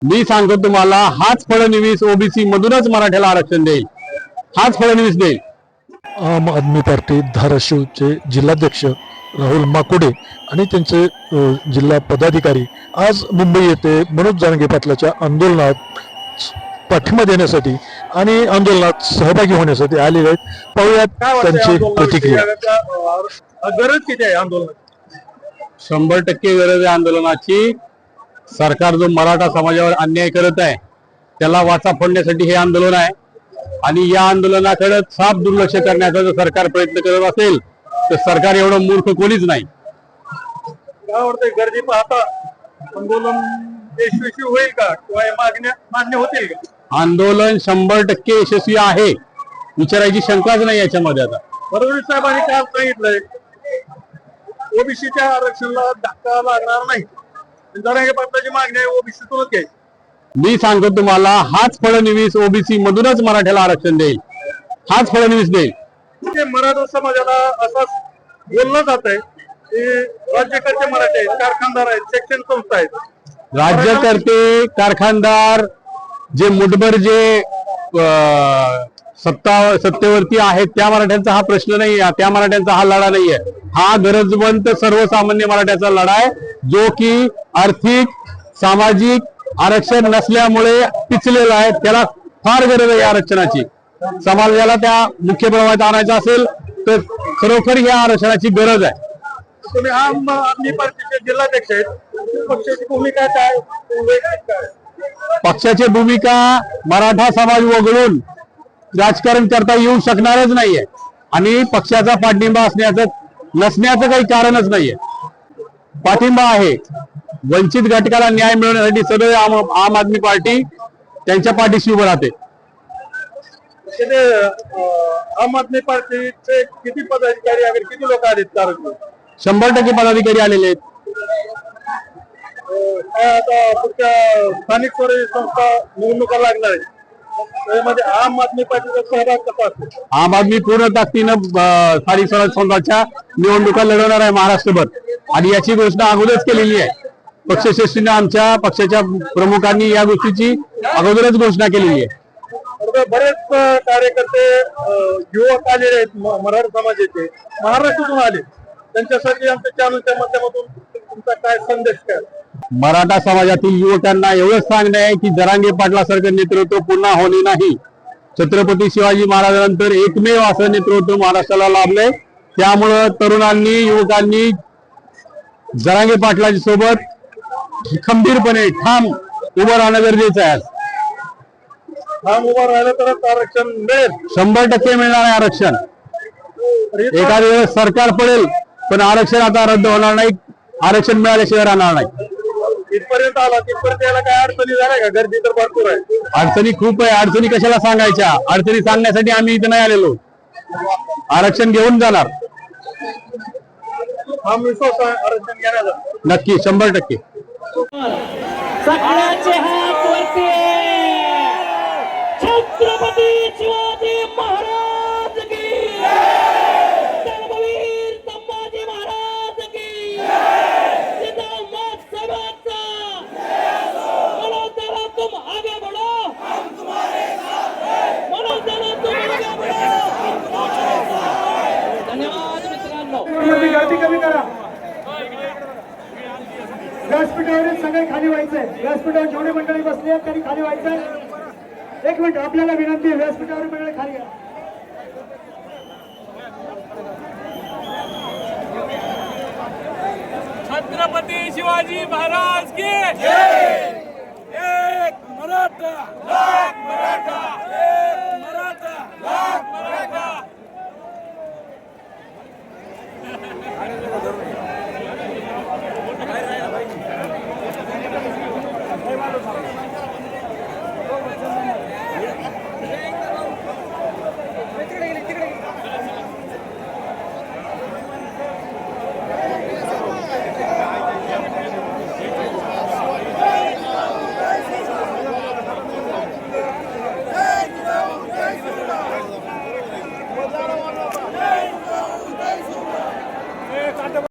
मी सांगतो तुम्हाला, हाच फडणवीस ओबीसी मधूनच मराठ्याला आरक्षण देईल, हाच फडणवीस देईल। आम आदमी पार्टी धाराशिवचे जिल्हाध्यक्ष राहुल माकुडे आणि त्यांचे जिल्हा पदाधिकारी आज मुंबई येथे मनोज जरांगे पाटलाच्या आंदोलनात पाठिंबा देण्यासाठी आणि आंदोलनात सहभागी होण्यासाठी आलेले आहेत। पाहूयात त्यांची प्रतिक्रिया। गरज किती आहे आंदोलनाची? 100% गरज आहे आंदोलनाची। सरकार जो मराठा समाजावर अन्याय करत आहे त्याला वाचा फोडण्यासाठी हे आंदोलन आहे आणि या आंदोलनाकडे साफ दुर्लक्ष करण्याचा जर सरकार प्रयत्न करत असेल तर सरकार एवढं मूर्ख कोणीच नाही। काय वाटतंय, गर्दी पाहता आंदोलन यशस्वी होईल का किंवा मागण्या मान्य होतील का? आंदोलन 100% यशस्वी आहे, विचारायची शंकाच नाही याच्यामध्ये। आता फडणवीस साहेबांनी काल सांगितलंय ओबीसीच्या आरक्षणाला धक्का लागणार नाही, जरांगे पाटलाची मागणी आहे ओबीसीतूनच घ्यायची। मी सांगतो तुम्हाला, हाच फडणवीस ओबीसी मधूनच मराठ्याला आरक्षण देईल, हाच फडणवीस देईल। मराठा समाजाला असं बोललं जात आहे की राज्यकर्ते मराठे आहेत, कारखानदार आहेत, शिक्षण संस्था आहेत। राज्यकर्ते कारखानदार जे मुठभर जे सत्तेवरती आहेत त्या मराठ्यांचा हा प्रश्न नाही आहे, त्या मराठ्यांचा हा लढा नाहीये। हा गरजवंत सर्वसामान्य मराठ्याचा लढा आहे, जो की आर्थिक सामाजिक आरक्षण नसल्यामुळे पिचलेला आहे। त्याला फार गरज आहे आरक्षणाची। समाजाला त्या मुख्य प्रवाहात आणायचं असेल तर खरोखर या आरक्षणाची गरज आहे। तुम्ही आम आदमी पार्टीचे जिल्हाध्यक्ष आहेत, पक्षाची भूमिका काय? पक्षाची भूमिका मराठा समाज वगळून राजकारण करता येऊ शकणारच नाहीये आणि पक्षाचा पाठिंबा नसण्याचं काही कारणच नाहीये। पाठिंबा आहे, वंचित घटकाला न्याय मिळवण्यासाठी सदैव आम आदमी पार्टी त्यांच्या पाठीशी उभं राहते। आम आदमी पार्टीचे किती पदाधिकारी वगैरे किती लोक आलेत? 100% पदाधिकारी आलेले आहेत। आता पुढच्या स्थानिक स्वराज्य संस्था निवडणुका लागणार आहेत, त्यामध्ये आम आदमी पार्टीचा सहभाग कसा असेल? आम आदमी पूर्ण ताकदीनं स्थानिक स्वराज्य संस्थांच्या निवडणुका लढवणार आहे महाराष्ट्रभर आणि याची घोषणा अगोदरच केलेली आहे। पक्षश्रेष्ठीने आमच्या पक्षाच्या प्रमुखांनी या गोष्टीची अगोदरच घोषणा केलेली आहे। बरेच कार्यकर्ते युवक आलेले आहेत मराठा समाजाचे, महाराष्ट्रातून आले, त्यांच्यासाठी आमच्या चॅनलच्या माध्यमातून तुमचा काय संदेश काय? मराठा समाजातील युवकांना एवढंच सांगणं आहे की जरांगे पाटलासारखं नेतृत्व पुन्हा होणे नाही। छत्रपती शिवाजी महाराजांनंतर एकमेव असं नेतृत्व महाराष्ट्राला लाभलंय। त्यामुळं तरुणांनी युवकांनी जरांगे पाटलाच्या सोबत खंबीरपणे ठाम उभं राहणं गरजेचं आहे। ठाम उभं राहिलं तरच आरक्षण मिळेल, 100% मिळणार आहे आरक्षण। एखाद्या वेळेस सरकार पडेल पण आरक्षण आता रद्द होणार नाही, आरक्षण मिळाल्याशिवाय राहणार नाही। इथपर्यंत आला, तिथपर्यंत यायला काय अडचणी झाल्या का? गर्दी तर भरपूर आहे। अडचणी खूप आहे, अडचणी कशाला सांगायच्या? अडचणी सांगण्यासाठी आम्ही इथे नाही आलेलो, आरक्षण घेऊन जाणार। हा विश्वास आहे आरक्षण घेण्याचा। नक्की 100%। सगळ्यांचे हात वरती, छत्रपती शिवाजी महाराज की, धर्मवीर संभाजी महाराज की, जिंदाबाद सर्वांचा, बोलो जरा तुम आगे बढ़ो, हम तुम्हारे साथ हैं, बोलो जरा तुम आगे बढ़ो, हम तुम्हारे साथ हैं। धन्यवाद मित्रांनो। गर्दी कमी करा, व्यासपीठावरील सगळे खाली व्हायचंय, व्यासपीठावर जेवढी मंडळी बसली आहेत त्यांनी खाली व्हायचंय। एक मिनिट, आपल्याला विनंती आहे, व्यासपीठावर सगळे खाली या। छत्रपती शिवाजी महाराज की जय। एक मराठा लाख मराठा, एक मराठा लाख मराठा।